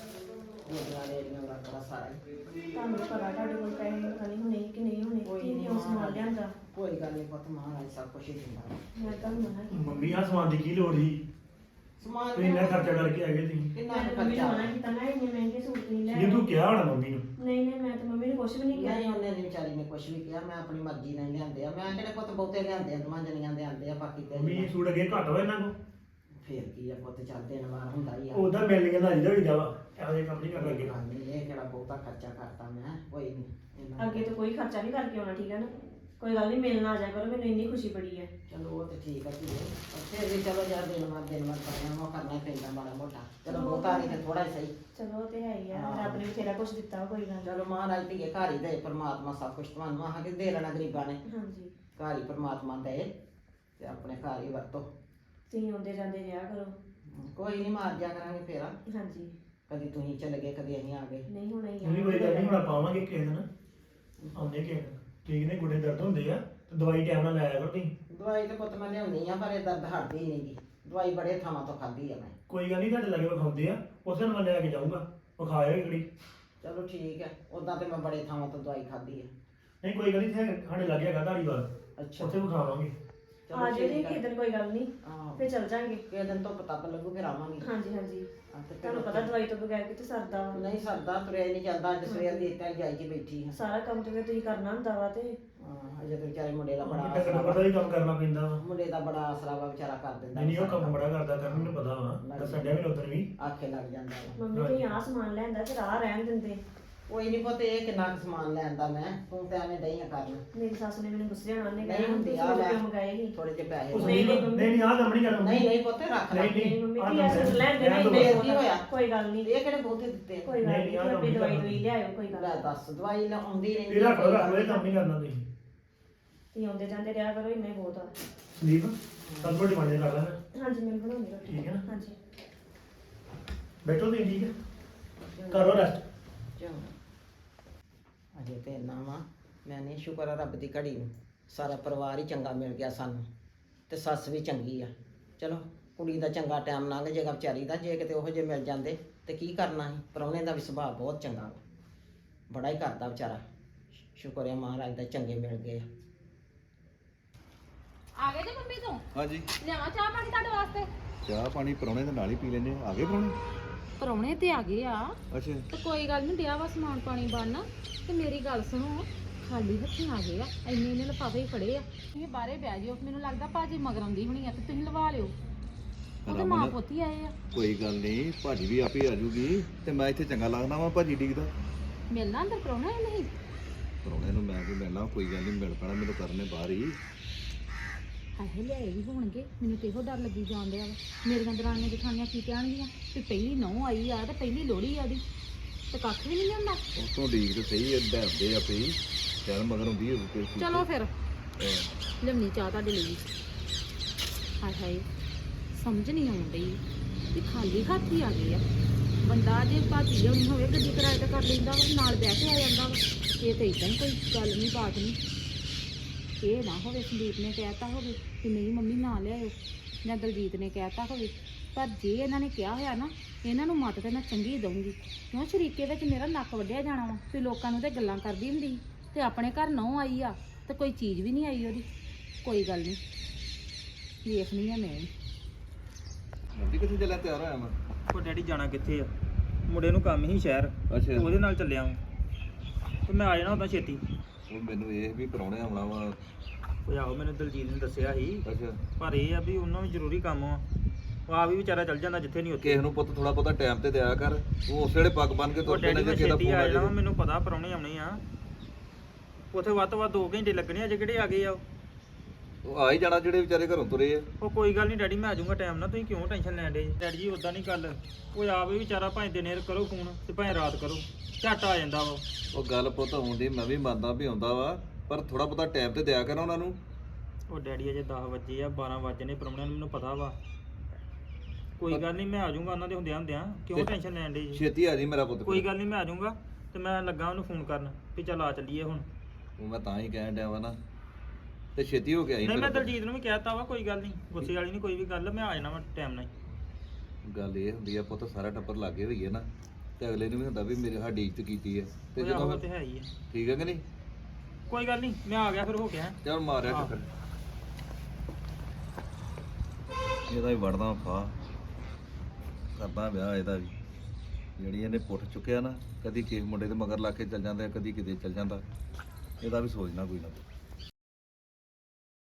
S2: ਗੋਦਰਾ ਰੇੜੀਆਂ ਦਾ ਤੇਰਾ ਸਾਰਾ ਹੀ।
S4: ਤੁਹਾਨੂੰ ਤਾਂ ਪਤਾ ਤੁਹਾਡੇ ਕੋਲ ਪੈਸੇ ਪਤਾ ਨਹੀਂ ਹੋਣੇ ਕਿ ਨਹੀਂ ਹੋਣੇ
S2: ਕੋਈ
S4: ਕੀ
S2: ਨੀ
S4: ਕਿਉਂ ਸਮਾਨ ਲਿਆਂਦਾ
S2: ਕੋਈ ਗੱਲ ਨਹੀਂ ਪੁੱਤ ਮਹਾਰਾਜ ਸਭ ਕੁਛ ਹੀ ਦਿੰਦਾ ਵਾ।
S4: ਮੈਂ ਤੁਹਾਨੂੰ ਮਨਾ ਕੀਤਾ
S3: ਮੰਮੀ ਆ ਸਮਾਨ ਦੀ ਕੀ ਲੋੜ ਸੀ?
S2: ਸਮਾਨ
S3: ਤੁਸੀਂ ਇੰਨਾ ਖਰਚਾ ਕਰਕੇ ਆ ਗਏ ਤੁਸੀਂ।
S2: ਕਿੰਨਾ
S4: ਮੈਂ
S2: ਕੁ
S4: ਤਾਂ ਮੰਮੀ ਨੂੰ
S2: ਖਰਚਾ
S4: ਮਨਾ ਕੀਤਾ ਮੈਂ ਇੰਨੇ ਮਹਿੰਗੇ ਸੂਟ ਨਹੀਂ ਲੈ
S3: ਜੇ ਤੂੰ ਕਿਹਾ ਹੋਣਾ ਮੰਮੀ ਨੂੰ।
S4: ਨਹੀਂ ਨਹੀਂ ਮੈਂ ਤਾਂ ਮੰਮੀ ਨੂੰ ਕੁਝ ਵੀ ਨਹੀਂ ਕਿਹਾ
S2: ਨਹੀਂ ਉਹਨੇ ਨੀ ਵਿਚਾਰੀ ਨੇ ਕੁਛ ਵੀ ਕਿਹਾ ਮੈਂ ਆਪਣੀ ਮਰਜ਼ੀ ਨਾਲ ਹੀ ਲਿਆਂਦੇ ਆ ਮੈਂ ਕਿਹੜੇ ਪੁੱਤ ਬਹੁਤੇ ਲਿਆਂਦੇ ਆ ਦੋਵਾਂ ਜਣੀਆਂ ਦੇ ਆਂਦੇ ਆ ਬਾਕੀ ਤੇ
S3: ਮੰਮੀ ਇਹ ਸੂਟ ਅੱਗੇ ਘੱਟ ਹੋਇਆ ਇਹਨਾਂ ਕੋ।
S2: ਫੇਰ ਕੀ ਆ ਪੁੱਤ ਚੱਲ ਦੇਣ ਵਾਲਾ ਹੁੰਦਾ ਹੀ ਆ
S3: ਉਹਦਾ ਮਿਲਣੀਆਂ ਦਾ ਅਜਿਹਾ ਵੀ ਜਾਵਾ ਇਹੋ ਜਿਹੇ ਕੰਮ ਨਹੀਂ ਕਰਨ ਲੱਗੇ।
S2: ਗੱਲ ਨੀ, ਇਹ ਕਿਹੜਾ ਬਹੁਤਾ ਖਰਚਾ ਕਰਤਾ ਮੈਂ ਕੋਈ ਨਹੀਂ
S4: ਅੱਗੇ ਤੋਂ ਕੋਈ ਖਰਚਾ ਨਹੀਂ ਕਰਕੇ ਆਉਣਾ ਠੀਕ ਹੈ ਨਾ ਕੋਈ ਗੱਲ ਨਹੀਂ ਮਿਲਣ ਆ ਜਾ ਕਰੋ ਮੈਨੂੰ ਇੰਨੀ ਖੁਸ਼ੀ ਬੜੀ ਹੈ
S2: ਚਲੋ ਉਹ ਤੇ ਠੀਕ ਆ ਧੀਏ ਪਰ ਫਿਰ ਵੀ ਚਲੋ ਯਾਰ ਦਿਨ ਮਾਰ ਦਿਨ ਮਾਰ ਕਰਨਾ ਉਹ ਕਰਨਾ ਹੀ ਪੈਂਦਾ ਮਾੜਾ ਮੋਟਾ ਚਲੋ ਬਹੁਤਾ ਨਹੀਂ ਤੇ ਥੋੜਾ ਹੀ ਸਹੀ
S4: ਚਲੋ ਉਹ ਤੇ ਹੈ ਹੀ ਆ
S2: ਹਾਂ।
S4: ਰੱਬ ਨੇ ਬਥੇਰਾ ਕੁਝ ਦਿੱਤਾ ਵਾ, ਕੋਈ ਗੱਲ ਨੀ।
S2: ਚਲੋ ਮਹਾਰਾਜ ਧੀਏ ਘਰ ਹੀ ਦੇ ਪਰਮਾਤਮਾ ਸਭ ਕੁਝ ਤੁਹਾਨੂੰ ਆਹ ਕੇ ਦੇ ਲੈਣਾ ਗਰੀਬਾਂ ਨੇ
S4: ਹਾਂਜੀ
S2: ਘਰ ਹੀ ਪਰਮਾਤਮਾ ਦੇ ਤੇ ਆਪਣੇ ਘਰ ਹੀ ਵਰਤੋ
S4: ਤੁਸੀਂ ਆਉਂਦੇ ਜਾਂਦੇ ਰਿਹਾ ਕਰੋ
S2: ਕੋਈ ਨਹੀਂ ਮਾਰ ਜਾ ਕਰਾਂਗੇ ਫੇਰਾ
S4: ਹਾਂਜੀ
S2: ਕਦੀ ਤੁਸੀਂ ਚੱਲ ਗਏ ਕਦੀ ਅਸੀਂ ਆ ਗਏ
S4: ਨਹੀਂ ਹੋਣਾ ਹੀ
S3: ਮੰਮੀ ਕੋਈ ਗੱਲ ਨਹੀਂ ਹੁਣ ਆਪਾਂ ਆਵਾਂਗੇ ਕਿਸੇ ਦਿਨ। ਆਉਂਦੇ ਕਿਸੇ ਦਿਨ। ਠੀਕ ਨੇ ਗੁੱਡੇ ਦਰਦ ਹੁੰਦੇ ਆ ਤੇ ਦਵਾਈ ਟਾਈਮ ਨਾਲ ਲਾਇਆ ਕਰੋ ਤੁਸੀਂ।
S2: ਦਵਾਈ ਤੇ ਪੁੱਤ ਮੈਂ ਲਿਆਉਣੀ ਆ ਪਰ ਇਹ ਦਰਦ ਹਟਦੀ ਹੀ ਨਹੀਂਗੀ ਦਵਾਈ ਬੜੇ ਥਾਵਾਂ ਤੋਂ ਖਾਧੀ ਆ ਮੈਂ
S3: ਕੋਈ ਗੱਲ ਨਹੀਂ ਤੁਹਾਡੇ ਲਾਗੇ ਵਿਖਾਉਂਦੇ ਆ ਉਸ ਦਿਨ ਮੈਂ ਲੈ ਕੇ ਜਾਊਂਗਾ ਵਿਖਾਇਆ ਕਿਹੜੀ।
S2: ਚਲੋ ਠੀਕ ਹੈ ਉਦਾਂ ਤੇ ਮੈਂ ਬੜੇ ਥਾਵਾਂ ਤੋਂ ਦਵਾਈ ਖਾਧੀ ਆ
S3: ਨਹੀਂ ਕੋਈ ਗੱਲ ਨਹੀਂ ਇੱਥੇ ਸਾਡੇ ਲਾਗੇ ਹੈਗਾ ਧਾਰੀਵਾਲ
S2: ਅੱਛਾ
S3: ਉੱਥੇ ਵਿਖਾਵਾਂਗੇ।
S4: ਆ ਜੇ
S2: ਠੀਕ
S4: ਕਿਸੇ ਦਿਨ ਕੋਈ ਗੱਲ ਨਹੀਂ
S2: ਹਾਂ
S4: ਫੇਰ ਚੱਲ ਜਾਾਂਗੇ
S2: ਕਿਸੇ ਦਿਨ ਤੋਂ ਪਤਾ ਲੱਗੂ ਫਿਰ ਆਵਾਂਗੇ
S4: ਹਾਂਜੀ ਹਾਂਜੀ
S2: ਹਾਂ, ਤੇ ਫਿਰ
S4: ਤੁਹਾਨੂੰ ਪਤਾ ਦਵਾਈ ਤੋਂ ਬਗੈਰ ਕਿਤੇ ਸਰਦਾ ਵਾ
S2: ਨਹੀਂ ਸਰਦਾ ਤੁਰਿਆ ਹੀ ਨਹੀਂ ਜਾਂਦਾ ਅੱਜ ਸਵੇਰ ਦੀ ਇੱਥੇ ਜਾਈ ਕੇ ਬੈਠੀ ਹਾਂ
S4: ਸਾਰਾ ਕੰਮ ਤੇ ਫਿਰ ਤੁਸੀਂ ਕਰਨਾ ਹੁੰਦਾ ਵਾ ਤੇ
S2: ਹਾਂ, ਅਜੇ ਤੇ ਵਿਚਾਰੇ ਮੁੰਡੇ ਦਾ ਬੜਾ
S3: ਵੱਡਾ
S2: ਆਸਰਾ
S3: ਕੰਮ ਦਾ
S2: ਵਾ
S3: ਵੀ ਕੰਮ ਕਰਨਾ ਪੈਂਦਾ ਵਾ।
S2: ਮੁੰਡੇ ਦਾ ਬੜਾ ਆਸਰਾ ਵਾ ਵਿਚਾਰਾ ਕਰ ਦਿੰਦਾ
S3: ਨਹੀਂ ਨਹੀਂ ਉਹ
S2: ਸਾਰਾ
S3: ਕੰਮ ਬੜਾ ਕਰਦਾ ਕਰਨ ਮੈਨੂੰ ਪਤਾ ਵਾ ਦੱਸਣ ਡਿਆ ਮੈਨੂੰ ਉਧਰ ਵੀ।
S2: ਆਖੇ ਲੱਗ ਜਾਂਦਾ ਵਾ
S4: ਮੰਮੀ ਤੁਸੀਂ ਆਹ ਸਮਾਨ ਲੈਂਦਾ ਫਿਰ ਆਹ ਰਹਿਣ ਦਿੰਦੇ
S2: ਕੋਈ ਨਹੀਂ ਪੁੱਤ ਇਹ ਕਿੰਨਾ ਕੁ ਸਮਾਨ ਲੈਣ ਦਾ ਮੈਂ ਤੂੰ ਤਾਂ ਐਵੇਂ ਡਈ ਆ ਕਰਨ
S4: ਮੇਰੀ ਸੱਸ ਨੇ ਮੈਨੂੰ ਗੁੱਸੇ ਹੋਣਾ ਉਹਨੇ
S2: ਨਹੀਂ
S4: ਕਹਿਣਾ
S2: ਹੁੰਦੀ
S4: ਤੁਸੀਂ
S2: ਆ
S4: ਕਿਉਂ
S2: ਮੈਂ
S4: ਮੰਗਾਏ ਨਹੀਂ
S2: ਥੋੜੇ ਜਿਹੇ ਪੈਸੇ
S3: ਉਹ
S2: ਨਹੀਂ
S3: ਸੰਦੀਪ ਨਹੀਂ ਨਹੀਂ ਆਹ ਕੰਮ ਨਹੀਂ ਕਰਨਾ
S2: ਨਹੀਂ ਨਹੀਂ ਪੁੱਤ ਰੱਖ ਲੈ
S3: ਨਹੀਂ
S4: ਮੰਮੀ
S3: ਆਹ
S4: ਕੀ
S3: ਕੰਮ
S4: ਐਸੇ ਲੈਣ ਦੇ
S3: ਰਹਿਣ ਦਿਓ।
S4: ਨਹੀਂ
S2: ਫੇਰ ਕੀ ਹੋਇਆ?
S4: ਕੋਈ ਗੱਲ ਨਹੀਂ
S2: ਇਹ ਕਿਹੜੇ ਬਹੁਤੇ ਦਿੱਤੇ
S4: ਕੋਈ ਗੱਲ
S3: ਨਹੀਂ,
S4: ਨਹੀਂ
S3: ਆਹ ਕੰਮ
S4: ਆਪਣੀ
S3: ਨਹੀਂ
S4: ਦਵਾਈ
S3: ਕਰਨਾ।
S4: ਦਵਾਈ ਲਿਆਇਓ ਕੋਈ ਗੱਲ
S2: ਲੈ
S4: ਨੀ।
S2: ਦੱਸ ਦਵਾਈ ਲਾਉਂਦੀ ਰਹਿੰਦੀ
S3: ਇਹ ਰੱਖ ਲਓ
S2: ਕੋਈ
S3: ਰੱਖ ਲਓ ਇਹ
S2: ਗੱਲ
S3: ਕੰਮ ਨਹੀਂ ਕਰਨਾ ਤੁਸੀਂ
S4: ਤੁਸੀਂ ਆਉਂਦੇ ਜਾਂਦੇ ਰਿਹਾ ਕਰੋ ਇੰਨਾ ਹੀ ਬਹੁਤ ਆ
S3: ਸੰਦੀਪ ਸਭ ਰੋਟੀ ਬਣ ਜਾ ਕਰ ਲੈ
S4: ਹਾਂਜੀ ਮੈਂ ਬਣਾਉਣੀ ਰੋਟੀ
S3: ਠੀਕ ਹੈ ਨਾ?
S4: ਹਾਂਜੀ
S3: ਬੈਠੋ ਤੁਸੀਂ ਠੀਕ ਹੈ ਕਰੋ ਰੈਸਟ
S2: ਚੰਗਾ। ਅਜੇ ਤੇ ਇੰਨਾ ਵਾ ਮੈਂ ਨਹੀਂ ਸ਼ੁਕਰ ਆ ਰੱਬ ਦੀ ਘੜੀ ਨੂੰ ਸਾਰਾ ਪਰਿਵਾਰ ਹੀ ਚੰਗਾ ਮਿਲ ਗਿਆ ਸਾਨੂੰ ਤੇ ਸੱਸ ਵੀ ਚੰਗੀ ਆ ਚਲੋ ਕੁੜੀ ਦਾ ਚੰਗਾ ਟਾਈਮ ਲੰਘ ਜਾਏਗਾ ਵਿਚਾਰੀ ਦਾ ਜੇ ਕਿਤੇ ਉਹੋ ਜਿਹੇ ਮਿਲ ਜਾਂਦੇ ਤੇ ਕੀ ਕਰਨਾ ਸੀ ਪ੍ਰਾਹੁਣੇ ਦਾ ਵੀ ਸੁਭਾਅ ਬਹੁਤ ਚੰਗਾ ਵਾ ਬੜਾ ਹੀ ਕਰਦਾ ਵਿਚਾਰਾ ਸ਼ੁਕਰ ਹੈ ਮਹਾਰਾਜ ਦਾ ਚੰਗੇ ਮਿਲ ਗਏ ਆ
S5: ਆ ਗਏ ਜੇ ਮੰਮੀ ਤੋਂ
S6: ਹਾਂਜੀ
S5: ਲਿਆਵਾਂ ਚਾਹ ਪਾਣੀ ਤੁਹਾਡੇ ਵਾਸਤੇ
S6: ਚਾਹ ਪਾਣੀ ਪਰੌਣੇ ਦੇ ਨਾਲ ਹੀ ਪੀ ਲੈਨੇ ਆ ਗਏ ਪਰੌਣੇ
S5: ਪਰੌਣੇ ਤੇ ਆ ਗਏ ਆ
S6: ਅੱਛਾ
S5: ਤੇ ਕੋਈ ਗੱਲ ਨਹੀਂ ਡਿਆ ਵਾ ਸਮਾਨ ਪਾਣੀ ਬਣਨਾ ਤੇ ਮੇਰੀ ਗੱਲ ਸੁਣੋ ਖਾਲੀ ਹੱਥੀਂ ਆ ਗਏ ਆ ਇੰਨੇ ਇੰਨੇ ਲਿਫਾਫੇ ਹੀ ਫੜੇ ਆ ਤੁਸੀਂ ਬਾਹਰੇ ਬਹਿ ਜਿਓ ਮੈਨੂੰ ਲੱਗਦਾ ਭਾਜੀ ਮਗਰ ਆਉਂਦੀ ਹੋਣੀ ਆ ਤੇ ਤੁਸੀਂ ਲਵਾ ਲਿਓ ਉਹਦੇ
S6: ਰਮਨ,
S5: ਮਾਂ ਪੁੱਤ ਹੀ ਆਏ ਆ
S6: ਕੋਈ ਗੱਲ ਨਹੀਂ ਭਾਜੀ ਵੀ ਆਪੇ ਆ ਜੂਗੀ ਤੇ ਮੈਂ ਇੱਥੇ ਚੰਗਾ ਲੱਗਦਾ ਵਾਂ ਭਾਜੀ ਡਿੱਗਦਾ
S5: ਮਿਲਣਾ ਅੰਦਰ ਪਰੌਣਾ ਹੈ ਨਹੀਂ
S6: ਪਰੌਣੇ ਨੂੰ ਮੈਂ ਵੀ ਮਿਲਣਾ ਕੋਈ ਗੱਲ ਨਹੀਂ ਮਿਲ ਪੈਣਾ ਮੈਨੂੰ ਕਰਨੇ ਬਾਹਰ ਹੀ
S5: ਆਹੇ ਲਿਆਏ ਵੀ ਹੋਣਗੇ ਮੈਨੂੰ ਤੇ ਇਹੋ ਡਰ ਲੱਗੀ ਜਾਣ ਡਿਆ ਵਾ ਮੇਰੀਆਂ ਦਰਾਣੀਆਂ ਜਠਾਣੀਆਂ ਕੀ ਕਹਿਣਗੀਆਂ ਵੀ ਪਹਿਲੀ ਨਹੁੰ ਆਈ ਆ ਤੇ ਪਹਿਲੀ ਲੋਹੜੀ ਆ ਉਹਦੀ ਤੇ ਕੱਖ ਵੀ ਨਹੀਂ ਲਿਆਉਂਦਾ
S6: ਉਤੋਂ ਡੀਕ ਤੇ ਸਹੀ ਡਰਦੇ ਆਪੇ ਹੀ ਚੱਲ ਮਗਰ ਹੁੰਦੀ ਹੋਊ ਕੋਈ ਚੀਜ਼।
S5: ਚਲੋ ਫਿਰ
S6: ਹਾਂ।
S5: ਲਿਆਉਣੀ ਚਾਹ ਤੁਹਾਡੇ ਲਈ ਹਾਏ ਹਾਏ ਸਮਝ ਨਹੀਂ ਆਉਣ ਡਈ ਵੀ ਖਾਲੀ ਹੱਥ ਹੀ ਆ ਗਏ ਆ ਬੰਦਾ ਜੇ ਭਾਜੀ ਲਿਆਉਣੀ ਹੋਵੇ ਗੱਡੀ ਕਿਰਾਏ ਤੇ ਕਰ ਲੈਂਦਾ ਵਾ ਨਾਲ ਬਹਿ ਕੇ ਆ ਜਾਂਦਾ ਵਾ ਇਹ ਤਾਂ ਇਦਾਂ ਹੀ ਕੋਈ ਗੱਲ ਨਹੀਂ ਬਾਤ ਨਹੀਂ ਇਹ ਨਾ ਹੋਵੇ ਸੰਦੀਪ ਨੇ ਕਹਿਤਾ ਹੋਵੇ ਕਿ ਨਹੀਂ ਮੰਮੀ ਨਾ ਲਿਆਇਓ ਜਾਂ ਦਲਜੀਤ ਨੇ ਕਹਿਤਾ ਹੋਵੇ ਪਰ ਜੇ ਇਹਨਾਂ ਨੇ ਕਿਹਾ ਹੋਇਆ ਨਾ ਇਹਨਾਂ ਨੂੰ ਮੱਤ ਤੇ ਮੈਂ ਚੰਗੀ ਦਊਂਗੀ ਕਿਉਂ ਸ਼ਰੀਕੇ ਵਿੱਚ ਮੇਰਾ ਨੱਕ ਵੱਢਿਆ ਜਾਣਾ ਵਾ ਤੇ ਲੋਕਾਂ ਨੂੰ ਤੇ ਗੱਲਾਂ ਕਰਦੀ ਹੁੰਦੀ ਸੀ ਤੇ ਆਪਣੇ ਘਰ ਨਹੁੰ ਆਈ ਆ ਤੇ ਕੋਈ ਚੀਜ਼ ਵੀ ਨਹੀਂ ਆਈ ਉਹਦੀ ਕੋਈ ਗੱਲ ਨਹੀਂ ਵੇਖਣੀ ਆ ਮੈਂ
S6: ਮੰਡੀ ਕਿੱਥੇ ਚੱਲਿਆ ਤਿਆਰ ਹੋਇਆ ਮੈਂ
S1: ਉਹ ਡੈਡੀ ਜਾਣਾ ਕਿੱਥੇ ਆ ਮੁੰਡੇ ਨੂੰ ਕੰਮ ਹੀ ਸ਼ਹਿਰ
S6: ਅੱਛਾ
S1: ਉਹਦੇ ਨਾਲ ਚੱਲਿਆ ਵਾਂ ਤੇ ਮੈਂ ਆ ਜਾਣਾ ਉਦਾਂ ਛੇਤੀ
S6: ਉਹ ਮੈਨੂੰ ਇਹ ਵੀ ਪਰੌਣੇ ਆਉਣਾ ਵਾ
S1: ਉਹ ਆਹੋ ਮੈਨੂੰ ਦਲਜੀਤ ਨੇ ਦੱਸਿਆ ਸੀ
S6: ਅੱਛਾ
S1: ਪਰ ਇਹ ਆ ਵੀ ਉਹਨਾਂ ਨੂੰ ਜ਼ਰੂਰੀ ਕੰਮ ਆ ਉਹ ਆ ਵੀ ਵਿਚਾਰਾ ਚੱਲ ਜਾਂਦਾ ਜਿੱਥੇ ਨਹੀਂ ਉੱਥੇ
S6: ਕਿਸੇ ਨੂੰ ਪੁੱਤ ਥੋੜਾ ਬਹੁਤਾ ਟਾਈਮ ਤੇ ਦਿਆ ਕਰ ਉਹ ਉਸ ਵੇਲੇ ਪੱਗ ਬੰਨ ਕੇ
S1: ਉਹ
S6: ਤੁਰ ਪੈਣਾ
S1: ਡੈਡੀ
S6: ਜੇ
S1: ਮੈਂ
S6: ਕਿਸੇ ਦਾ
S1: ਛੇਤੀ
S6: ਫੋਨ
S1: ਆ
S6: ਆ
S1: ਜਾਣਾ ਵਾ,
S6: ਜਾਵੇ
S1: ਮੈਨੂੰ ਪਤਾ ਪਰੌਣੇ ਆਉਣੇ ਆ ਉੱਥੇ ਵੱਧ ਤੋਂ ਵੱਧ ਦੋ ਘੰਟੇ ਲੱਗਣੇ ਅਜੇ ਕਿਹੜੇ ਆ ਗਏ ਆ ਉਹ।
S6: ਉਹ ਆ ਹੀ ਜਾਣਾ ਜਿਹੜੇ ਵਿਚਾਰੇ ਘਰੋਂ ਤੁਰੇ ਆ
S1: ਉਹ ਕੋਈ ਗੱਲ ਨਹੀਂ ਡੈਡੀ ਮੈਂ ਆ ਜਾਊਂਗਾ ਟਾਈਮ ਨਾਲ ਤੁਸੀਂ ਕਿਉਂ ਟੈਨਸ਼ਨ ਲੈਣ ਡੇ ਡੈਡੀ ਜੀ ਉਦਾਂ ਨਹੀਂ ਗੱਲ ਉਹ ਆਪ ਵੀ ਵਿਚਾਰਾ ਭਾਵੇਂ ਦਿਨੇ ਕਰੋ ਫੋਨ ਤੇ ਭਾਵੇਂ ਰਾਤ ਕਰੋ ਝੱਟ ਆ ਜਾਂਦਾ ਵਾ
S6: ਉਹ ਗੱਲ ਪੁੱਤ ਆਉਂਦੀ ਮੈਂ ਵੀ ਮੰਨਦਾ ਵੀ ਆਉਂਦਾ ਵਾ ਪਰ ਥੋੜਾ ਬਹੁਤਾ ਟਾਈਮ ਤੇ ਦਿਆ ਕਰ ਉਹਨਾਂ ਨੂੰ
S1: ਉਹ ਡੈਡੀ ਅਜੇ ਦਸ ਵਜੇ ਆ ਬਾਰਾਂ ਵਜੇ ਨੇ ਪਰੌਣਿਆਂ ਨੂੰ ਮੈਨੂੰ ਪਤਾ ਵਾ ਕੋਈ ਗੱਲ ਨਹੀਂ ਮੈਂ ਆ ਜਾਊਂਗਾ ਉਹਨਾਂ ਦੇ ਹੁੰਦਿਆਂ ਹੁੰਦਿਆਂ ਕਿਉਂ
S6: ਤੇ
S1: ਟੈਨਸ਼ਨ ਲੈਣ ਡੇ ਜੀ
S6: ਛੇਤੀ ਆ ਜੀ ਮੇਰਾ ਪੁੱਤ
S1: ਕੋਈ ਗੱਲ ਨਹੀਂ ਮੈਂ ਆ ਜਾਊਂਗਾ ਤੇ ਮੈਂ ਲੱਗਾ ਉਹਨੂੰ ਫੋਨ ਕਰਨ ਵੀ ਚੱਲ ਆ ਚੱਲੀਏ ਹੁਣ
S6: ਉਹ ਮੈਂ ਤਾਂ ਹੀ ਕਹਿਣ ਡਿਆ ਵਾ ਨਾ ਤੇ ਛੇਤੀ ਹੋ ਕੇ ਆਈ
S1: ਨਹੀਂ ਮੈਂ
S6: ਮੇਰਾ ਪੁੱਤ।
S1: ਦਲਜੀਤ ਨੂੰ ਵੀ ਕਹਿਤਾ ਵਾ ਕੋਈ ਗੱਲ ਨਹੀਂ ਗੁੱਸੇ ਵਾਲੀ ਨਹੀਂ ਕੋਈ ਵੀ ਗੱਲ ਮੈਂ ਆ ਜਾਣਾ ਵਾ ਟਾਈਮ ਨਾਲ ਹੀ।
S6: ਗੱਲ ਇਹ ਹੁੰਦੀ ਆ ਪੁੱਤ ਸਾਰਾ ਟੱਬਰ ਲਾਗੇ ਹੋਈਏ ਨਾ ਤੇ ਅਗਲੇ ਨੂੰ ਵੀ ਹੁੰਦਾ ਵੀ ਮੇਰੇ ਸਾਡੀ ਇੱਜ਼ਤ ਕੀਤੀ ਹੈ ਤੇ
S1: ਉਹ
S6: ਜਦੋਂ
S1: ਆਹੋ
S6: ਫਿਰ-
S1: ਤੇ ਹੈ ਹੀ ਆ
S6: ਠੀਕ ਹੈ ਕਿ ਨਹੀਂ
S1: ਕੋਈ ਗੱਲ ਨਹੀਂ ਮੈਂ ਆ ਗਿਆ ਫਿਰ ਹੋ ਗਿਆ
S6: ਚੱਲ ਮਾਰਿਆ
S1: ਹਾਂ।
S6: ਚੱਕਰ ਇਹਦਾ ਵੀ ਵੜਦਾ ਫਾ ਕਰਦਾ ਵਿਆਹ ਇਹਦਾ ਵੀ ਜਿਹੜੀ ਇਹਨੇ ਪੁੱਟ ਚੁੱਕਿਆ ਨਾ ਕਦੀ ਕਿਸੇ ਮੁੰਡੇ ਦੇ ਮਗਰ ਲਾ ਕੇ ਚੱਲ ਜਾਂਦਾ ਕਦੀ ਕਿਤੇ ਚੱਲ ਜਾਂਦਾ ਇਹਦਾ ਵੀ ਸੋਚਣਾ ਕੋਈ ਨਾ ਕੋਈ।